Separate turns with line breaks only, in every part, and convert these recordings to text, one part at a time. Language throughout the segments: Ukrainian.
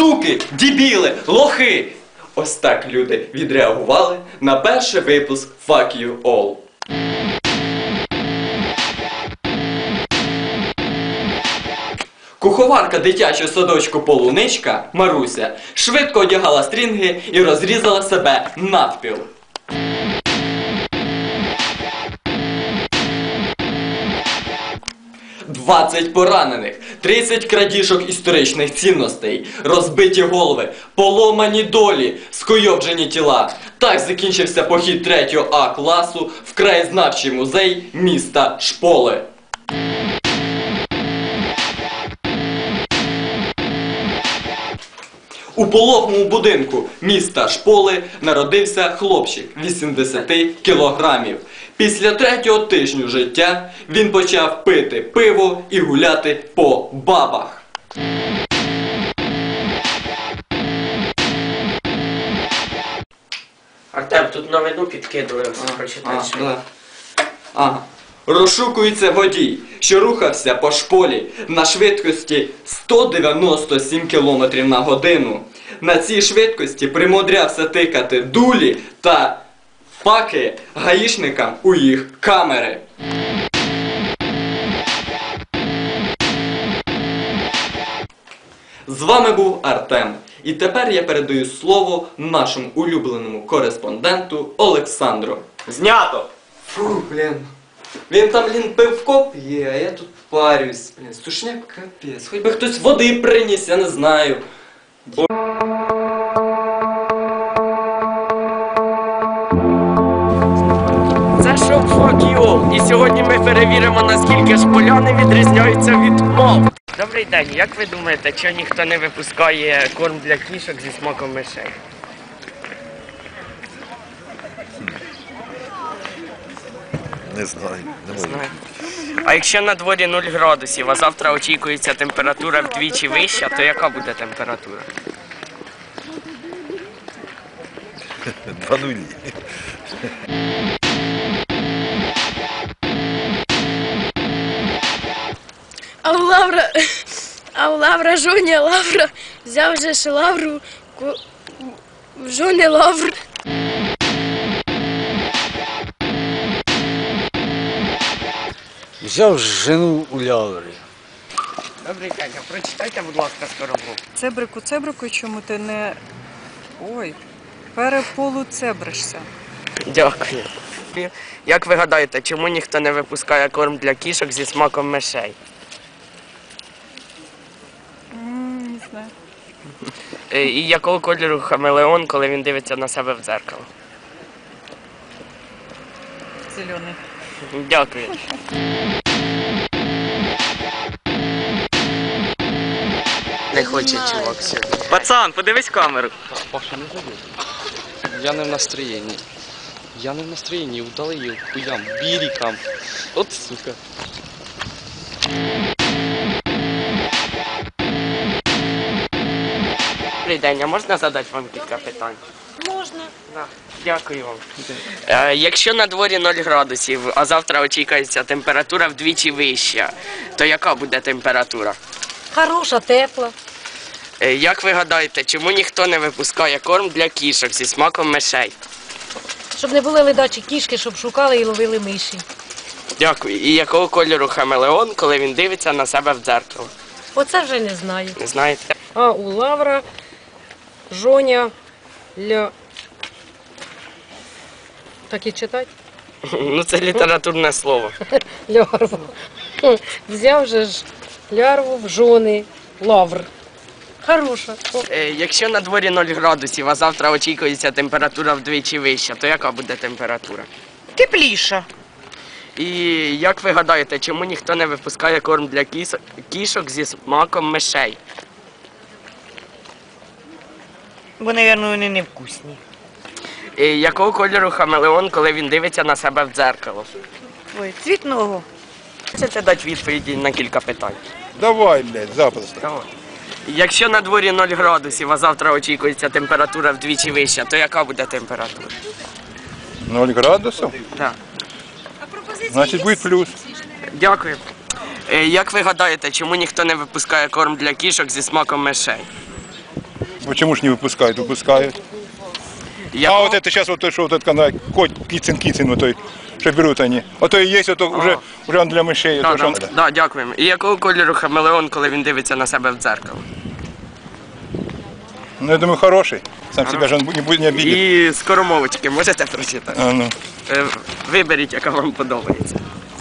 суки, дебіли, лохи. Ось так люди відреагували на перший випуск Fuck You All. Куховарка дитячого садочку Полуничка Маруся швидко одягала стрінги і розрізала себе навпіл. «20 поранених, 30 крадіжок історичних цінностей, розбиті голови, поломані долі, скуйовджені тіла». Так закінчився похід 3 А класу в краєзнавчий музей міста Шполи. У пологовому будинку міста Шполи народився хлопчик 80 кілограмів. Після 3-го тижню життя він почав пити пиво і гуляти по бабах.
Артем, тут новину підкидали, прочитаєш.
Ага. Розшукується водій, що рухався по Шполі на швидкості 197 км на годину. На цій швидкості примудрявся тикати дулі та паки гаїшникам у їх камери. З вами був Артем. І тепер я передаю слово нашому улюбленому кореспонденту Олександру.
Знято!
Фу, блін. Він там, пивко п'є, а я тут парюсь. Блін, сушняк капець. Хоч би хтось води приніс, я не знаю.
Це шоу Fuck You All. І сьогодні ми перевіримо, наскільки шполяни відрізняються від мов. Добрий день, як ви думаєте, чого ніхто не випускає корм для кішок зі смаком мишей?
Не знаю, не можу.
А якщо на дворі 0 градусів, а завтра очікується температура вдвічі вища, то яка буде температура?
2 нулі.
А у Лавра жоня Лавра взяв же ж Лавру в жони Лавр.
Взяв жену у Лаври.
Добрий день, а прочитайте, будь ласка, скоробок.
Цебрику, чому ти не... Ой, переполуцебришся.
Дякую. Як ви гадаєте, чому ніхто не випускає корм для кішок зі смаком мишей?
Не знаю.
І якого кольору хамелеон, коли він дивиться на себе в дзеркало?
Зелений.
Дякую. Не хоче чувак сьогодні. Пацан, подивись камеру.
Паша, не забудь. Я не в настроєнні. Я не в настроєнні, удали хуям, бірікам. От сука.
Добрий день, а можна задати вам кілька питань?
Можна.
Дякую вам. Якщо на дворі 0 градусів, а завтра очікується температура вдвічі вища, то яка буде температура?
Хороша, тепла.
Як ви гадаєте, чому ніхто не випускає корм для кішок зі смаком мишей?
Щоб не були ледачі кішки, щоб шукали і ловили миші.
Дякую. І якого кольору хамелеон, коли він дивиться на себе в дзеркало?
Оце вже не знаю.
Не знаєте?
А у Лавра жоня Так і читати?
Ну це літературне слово.
Лярву. Взяв же ж лярву в жони Лавр. Хороша.
Якщо на дворі 0 градусів, а завтра очікується температура вдвічі вища, то яка буде температура?
Тепліша.
І як ви гадаєте, чому ніхто не випускає корм для кішок зі смаком мишей?
Бо, мабуть, вони невкусні.
І якого кольору хамелеон, коли він дивиться на себе в дзеркало?
Ой, цвітного.
Хочете дати відповіді на кілька питань?
Давай, блядь, запросто.
Давай. Якщо на дворі 0 градусів, а завтра очікується температура вдвічі вища, то яка буде температура?
0 градусів?
Так.
Значить буде плюс.
Дякую. Як ви гадаєте, чому ніхто не випускає корм для кішок зі смаком мишей?
Почему ж не выпускают? Выпускают. А вот это сейчас вот то, что вот этот канал, кицин, вот той, что берут они. Вот то и есть, вот то уже он для мышей.
Да,
то, что
да,
он-
да, дякуємо. І якого кольору хамелеон, коли він дивиться на себе в дзеркало?
Ну, я думаю, хороший. Сам себя же он не обидит.
І скоромовочки можете прочитати?
А, ну.
Виберіть, яка вам подобається.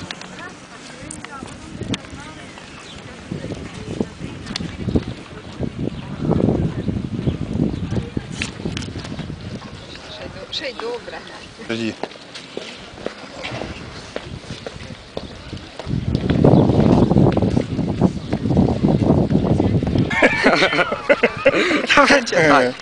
Подожди.
Читай.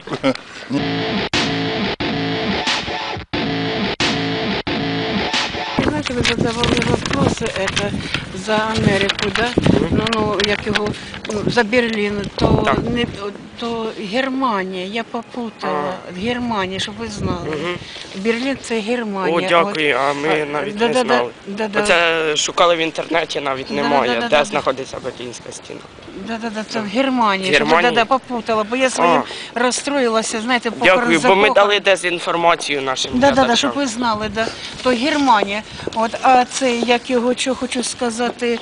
Знаете, вы задавали вопросы это за Америку, да? Ну, як його, за Берлін, то,
Так.
не, то Германія, я попутала. Германія, щоб ви знали. Берлін це Германія.
О, дякую, а ми навіть не знали. Оце шукали в інтернеті, навіть немає,
Да-да-да-да-да.
де знаходиться Берлінська стіна.
Да, це в Германії,
Германії?
щоб попутала, бо я своїм розстроїлася, знаєте, по
Дякую, бо ми
Корзакову.
дали дезінформацію нашим
Да,
глядачам.
щоб ви знали, да. То Германія. От, а це, як його, що хочу сказати,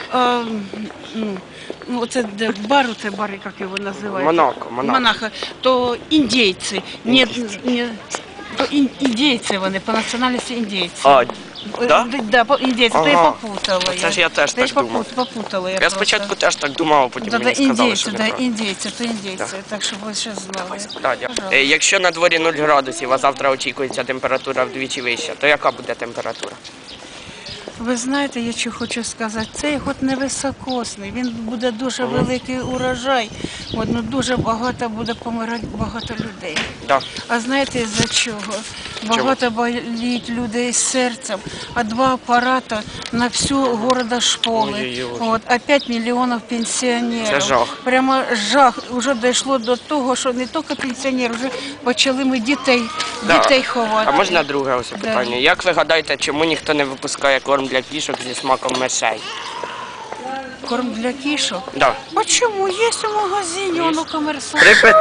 це де бар, як його називають?
Монако.
Монако. То індійці. Ні, то індійці вони, по національності індійці.
А, да?
Да, індійці, то я
Ага.
попутала.
Це ж я теж так думав.
Попутала я
Я
просто.
спочатку теж так думав, а потім
Да,
мені сказали, що
індійці,
неправильно.
то індійці, так що ви ще знали.
Да, дякую. Якщо на дворі 0 градусів, а завтра очікується температура вдвічі вища, то яка буде температура?
Ви знаєте, я що хочу сказати, цей год невисокосний, він буде дуже великий урожай, дуже багато буде помирати багато людей.
Да.
А знаєте за чого? Багато боліть людей з серцем, а 2 апарати на всю города школи.
Ой-ой-ой.
А 5 мільйонів пенсіонерів.
Це жах.
Прямо жах. Вже дійшло до того, що не тільки пенсіонери, вже почали ми дітей ховати.
А можна друге ось питання? Як ви гадаєте, чому ніхто не випускає корм для кішок зі смаком мишей?
Корм для кішок?
Да.
А чому? Є у магазині, воно комерсант.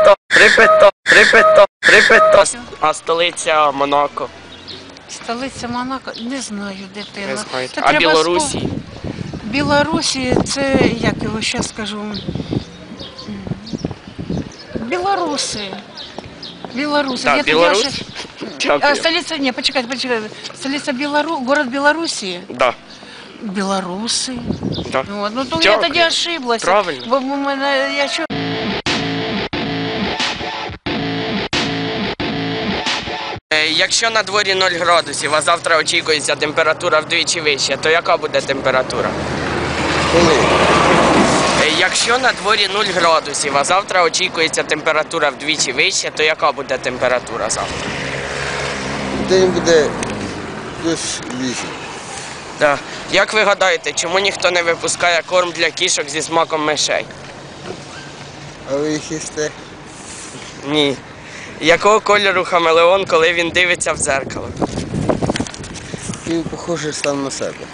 Припито. А столиця Монако?
Столиця Монако? Не знаю, дитина.
Не знаєте.
Це
А
треба
Білорусі?
Білорусі, це, як його зараз скажу, білоруси. Білоруси.
Так, Білорусь?
А
Дякую.
столиця, ні, почекайте. Столиця город Білорусі.
Да.
Білоруси.
Да.
Ну, то я
Дякую.
тоді ошиблася.
Правильно.
Бо в мене, я що...
Якщо на дворі 0 градусів, а завтра очікується температура вдвічі вища, то яка буде температура?
Коли?
Якщо на дворі 0 градусів, а завтра очікується температура вдвічі вища, то яка буде температура завтра?
День буде плюс 8.
Так. Як ви гадаєте, чому ніхто не випускає корм для кішок зі смаком мишей?
А ви їх їсте?
Ні. Якого кольору хамелеон, коли він дивиться в дзеркало?
Він похожий сам на себе.